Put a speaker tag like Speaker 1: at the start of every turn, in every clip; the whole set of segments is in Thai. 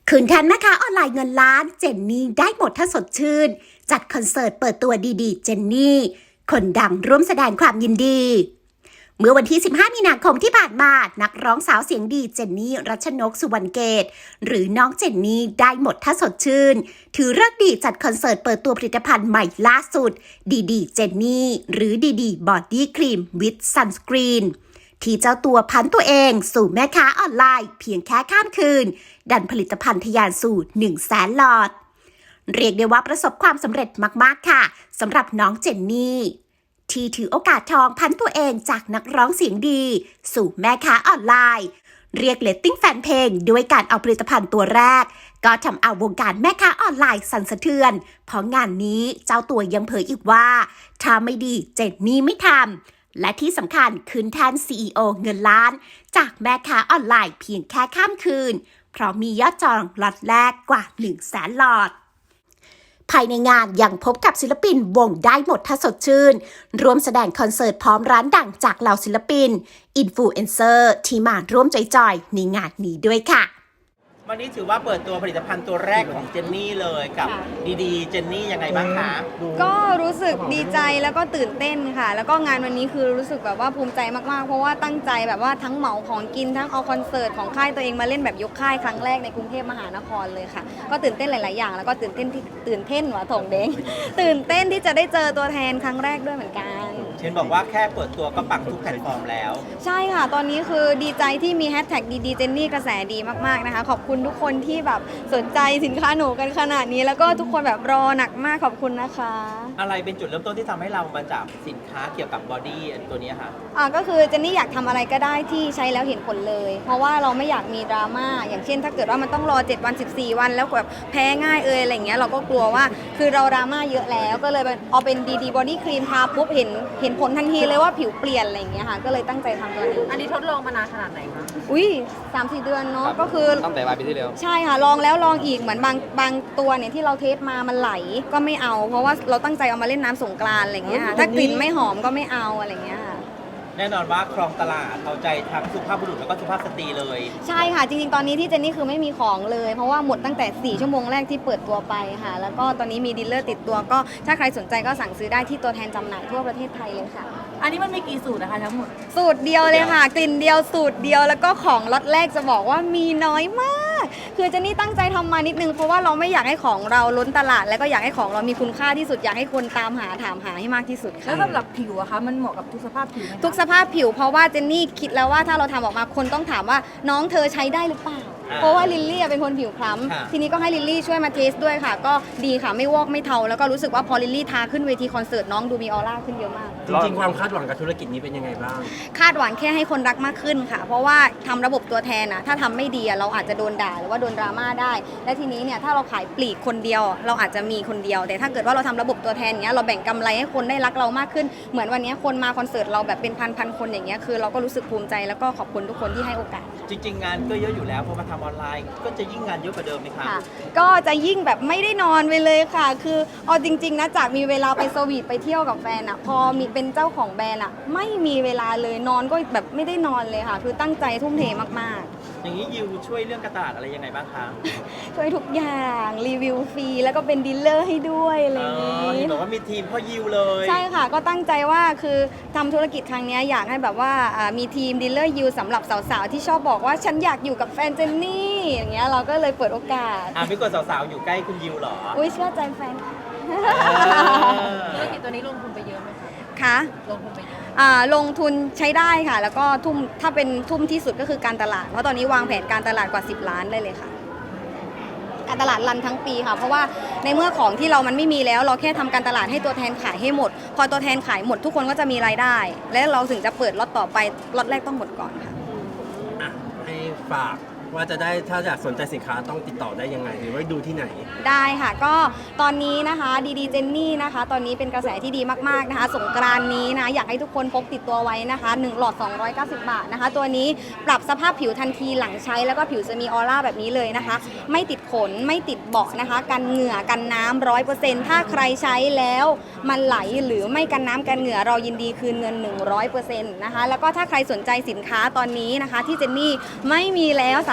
Speaker 1: คืนแทนแม่ค้าออนไลน์เงินล้านเจนนี่ได้หมดถ้าสดชื่นจัดคอนเสิร์ตเปิดตัวดีๆเจนนี่คนดังร่วมแสดงความยินดีเมื่อวันที่ 15 มีนาคมที่ผ่านมานักร้องสาวเสียงดีเจนนี่รัชนกสุวรรณเกตหรือน้องเจนนี่ได้หมดถ้าสดชื่นถือฤกษ์ดีจัดคอนเสิร์ตเปิดตัวผลิตภัณฑ์ใหม่ล่าสุดดีๆเจนนี่หรือดีๆบอดี้ครีมวิดซันสกรีนที่เจ้าตัวพันตัวเองสู่แม่ค้าออนไลน์เพียงแค่ข้ามคืนดันผลิตภัณฑ์ทะยานสู่ 100,000 หลอดเรียกได้ว่าประสบความสำเร็จมากๆค่ะสำหรับน้องเจนนี่ที่ถือโอกาสทองพันตัวเองจากนักร้องเสียงดีสู่แม่ค้าออนไลน์เรียกเรตติ้งแฟนเพลงด้วยการเอาผลิตภัณฑ์ตัวแรกก็ทำเอาวงการแม่ค้าออนไลน์สั่นสะเทือนเพราะงานนี้เจ้าตัวยังเผยอีกว่าถ้าไม่ดีเจนนี่ไม่ทำและที่สำคัญคืนแทน CEO เงินล้านจากแม่ค้าออนไลน์เพียงแค่ข้ามคืนเพราะมียอดจองล็อตแรกกว่า 100,000 หลอดภายในงานยังพบกับศิลปินวงได้หมดถ้าสดชื่นร่วมแสดงคอนเสิร์ตพร้อมร้านดังจากเหล่าศิลปินอินฟลูเอนเซอร์ที่มาร่วมจอยๆในงานนี้ด้วยค่ะ
Speaker 2: วันนี้ถือว่าเปิดตัวผลิตภัณฑ์ตัวแรกของเจนนี่เลยกับดีๆเจนนี่ยังไงบ้างคะ
Speaker 3: ก็รู้สึกดีใจแล้วก็ตื่นเต้นค่ะแล้วก็งานวันนี้คือรู้สึกแบบว่าภูมิใจมากๆเพราะว่าตั้งใจแบบว่าทั้งเหมาของกินทั้งเอาคอนเสิร์ตของค่ายตัวเองมาเล่นแบบยกค่ายครั้งแรกในกรุงเทพมหานครเลยค่ะก็ตื่นเต้นหลายๆอย่างแล้วก็ตื่นเต้นหัวถงเด้งตื่นเต้นที่จะได้เจอตัวแทนครั้งแรกด้วยเหมือนกัน
Speaker 2: เช่นบอกว่าแค่เปิดตัวก็ปังทุกแพลตฟอร์มแล้ว
Speaker 3: ใช่ค่ะตอนนี้คือดีใจที่มีแฮชแท็กดีๆเจนนี่กระแสดีมากๆนะคะขอบคุณทุกคนที่แบบสนใจสินค้าหนูกันขนาดนี้แล้วก็ทุกคนแบบรอหนักมากขอบคุณนะคะ
Speaker 2: อะไรเป็นจุดเริ่มต้นที่ทำให้เรามาจับสินค้าเกี่ยวกับบอดี้ตัวนี้ค่ะ
Speaker 3: ก็คือเจนนี่อยากทำอะไรก็ได้ที่ใช้แล้วเห็นผลเลยเพราะว่าเราไม่อยากมีดราม่าอย่างเช่นถ้าเกิดว่ามันต้องรอ7วัน14วันแล้วแบบแพ้ง่ายอะไรเงี้ยเราก็กลัวว่าคือเราดราม่าเยอะแล้วก็เลยเอาเป็นดีบอดี้ครีมทาปุ๊บเห็นผลทันทีเลยว่าผิวเปลี่ยนอะไรเงี้ยค่ะก็เลยตั้งใจทำตัวนี้
Speaker 4: อันนี้ทดลองมานานขนาดไหนคะ
Speaker 3: อุ้ย3-4 เดือนเนาะก็คือ
Speaker 5: ตั้งแต่ปลายปีที่แล้ว
Speaker 3: ใช่ค่ะลองแล้วลองอีกเหมือนบางตัวเนี่ยที่เราเทสมามันไหลก็ไม่เอาเพราะว่าเราตั้งใจเอามาเล่นน้ำสงกรานต์อะไรเงี้ยค่ะถ้ากลิ่นไม่หอมก็ไม่เอาอะไรเงี้ยค่ะ
Speaker 2: แน่นอนว่าครองตลาดเอาใจทั้งสุภาพบุรุษแล้วก็สุภาพสตรีเลย
Speaker 3: ใช่ค่ะจริงๆตอนนี้ที่เจนนี่คือไม่มีของเลยเพราะว่าหมดตั้งแต่4ชั่วโมงแรกที่เปิดตัวไปค่ะแล้วก็ตอนนี้มีดีลเลอร์ติดตัวก็ถ้าใครสนใจก็สั่งซื้อได้ที่ตัวแทนจำหน่ายทั่วประเทศไทยเลยค่ะ
Speaker 4: อันนี้มันมีกี่สูตรนะคะทั้งหมด
Speaker 3: สูตรเดียวเลยค่ะกลิ่นเดียวสูตรเดียวแล้วก็ของล็อตแรกจะบอกว่ามีน้อยมากคือเจนนี่ตั้งใจทำมานิดนึงเพราะว่าเราไม่อยากให้ของเราล้นตลาดแล้วก็อยากให้ของเรามีคุณค่าที่สุดอยากให้คนตามหาถามหาให้มากที่สุดค่ะ
Speaker 4: แล้วสำหรับผิวอะคะมันเหมาะกับทุกสภาพผิวไหม
Speaker 3: ทุกสภาพผิวเพราะว่าเจนนี่คิดแล้วว่าถ้าเราทำออกมาคนต้องถามว่าน้องเธอใช้ได้หรือเปล่าเพราะว่าลิลลี่เป็นคนผิวคล้ำทีนี้ก็ให้ลิลลี่ช่วยมาเทสด้วยค่ะก็ดีค่ะไม่วอกไม่เทาแล้วก็รู้สึกว่าพอลิลลี่ทาขึ้นเวทีคอนเสิร์ตน้องดูมีออร่าขึ้นเยอะมาก
Speaker 5: จริงๆความคาดหวังกับธุรกิจนี้เป็นยังไงบ้าง
Speaker 3: คาดหวังแค่ให้คนรักมากขึ้นค่ะเพราะว่าทำระบบตัวแทนนะถ้าทำไม่ดีเราอาจจะโดนด่าหรือว่าโดนดราม่าได้และทีนี้เนี่ยถ้าเราขายปลีกคนเดียวเราอาจจะมีคนเดียวแต่ถ้าเกิดว่าเราทำระบบตัวแทนเนี้ยเราแบ่งกำไรให้คนได้รักเรามากขึ้นเหมือนวันนี้คนมาคอนเสิร์ตเราแบบเป็นพันคนอย่างเงี้ยคือเราก็รู้สึกภูมิใจแล้วก็ขอบคุณทุกคนที่ให้โอกาส
Speaker 2: จริงๆงานก็เยอะอยู่แล้วพอมาทำออนไลน์ก็จะยิ่งงานเยอะกว่าเดิมไหมคะ
Speaker 3: ก็จะยิ่งแบบไม่ได้นอนไปเลยค่ะคือเอาจริงๆนะจากมีเวลาไปสวีทไปเที่ยวกับแฟนพอมีเป็นเจ้าของแบรนด์ไม่มีเวลาเลยนอนก็แบบไม่ได้นอนเลยค่ะคือตั้งใจทุ่มเทมาก
Speaker 2: ๆอย่างนี้ยิวช่วยเรื่องการตลาดอะไรยังไงบ้างคะ
Speaker 3: ช่วยทุกอย่างรีวิวฟรีแล้วก็เป็นดีลเลอร์ให้ด้วยอะไรอย่างนี้
Speaker 2: บอกว่ามีทีมพ่อยิวเลย
Speaker 3: ใช่ค่ะก็ตั้งใจว่าคือทำธุรกิจครั้งนี้อยากให้แบบว่ามีทีมดีลเลอร์ยิวสำหรับสาวๆที่ชอบบอกว่าฉันอยากอยู่กับแฟนเจนนี่อย่างเงี้ยเราก็เลยเปิดโอกาส
Speaker 2: พี่กดสาวๆอยู่ใกล้คุณยิวหรอ
Speaker 3: อุ้ยเชื่อใจแฟน
Speaker 4: ธุรกิจตัวนี้ลงทุนไปเยอะไหม
Speaker 3: คะ
Speaker 4: ลงทุนไปเยอะ
Speaker 3: ลงทุนใช้ได้ค่ะแล้วก็ทุ่มถ้าเป็นทุ่มที่สุดก็คือการตลาดเพราะตอนนี้วางแผนการตลาดกว่า10 ล้านได้เลยค่ะการตลาดรันทั้งปีค่ะเพราะว่าในเมื่อของที่เรามันไม่มีแล้วเราแค่ทำการตลาดให้ตัวแทนขายให้หมดพอตัวแทนขายหมดทุกคนก็จะมีรายได้และเราถึงจะเปิดล็อตต่อไปล็อตแรกต้องหมดก่อนค่ะ
Speaker 5: ให้ฝากว่าจะได้ถ้าอยากสนใจสินค้าต้องติดต่อได้ยังไงหรือว่าดูที่ไหน
Speaker 3: ได้ค่ะก็ตอนนี้นะคะดีเจนนี่นะคะตอนนี้เป็นกระแสที่ดีมากๆนะคะสงกรานต์นี้นะอยากให้ทุกคนพกติดตัวไว้นะคะ1 หลอด290 บาทนะคะตัวนี้ปรับสภาพผิวทันทีหลังใช้แล้วก็ผิวจะมีออร่าแบบนี้เลยนะคะไม่ติดขนไม่ติดเบาะนะคะกันเหงื่อกันน้ำ100%ถ้าใครใช้แล้วมันไหลหรือไม่กันน้ำกันเหงื่อเรายินดีคืนเงิน 100% นะคะแล้วก็ถ้าใครสนใจสินค้าตอนนี้นะคะที่เจนนี่ไม่มีแล้วสา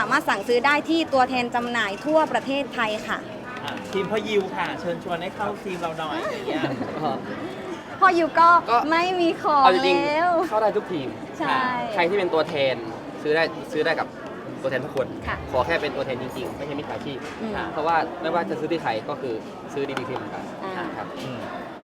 Speaker 3: ามารถสั่งซื้อได้ที่ตัวแทนจำหน่ายทั่วประเทศไทยค่ะ
Speaker 2: ทีมพ่อยิวค่ะ เชิญชวนให้เข้าทีมเราหน่อยอย่างเงี้ย
Speaker 3: พออยู่ก็ไม่มีของ
Speaker 6: เอาจริง
Speaker 3: แล้ว
Speaker 6: ๆเข้าได้ทุกทีม
Speaker 3: ใช่
Speaker 6: ใครที่เป็นตัวแทนซื้อได้กับตัวแทนทุกคน
Speaker 3: ค่ะ
Speaker 6: ขอแค่เป็นตัวแทนจริงๆ ไม่ใช่มิจฉาชีพ
Speaker 3: อืม
Speaker 6: เพราะว่าไม่ว่าจะซื้อที่ใครก็คือซื้อดีๆทีเหมือนกัน
Speaker 3: อ่า
Speaker 6: ครับ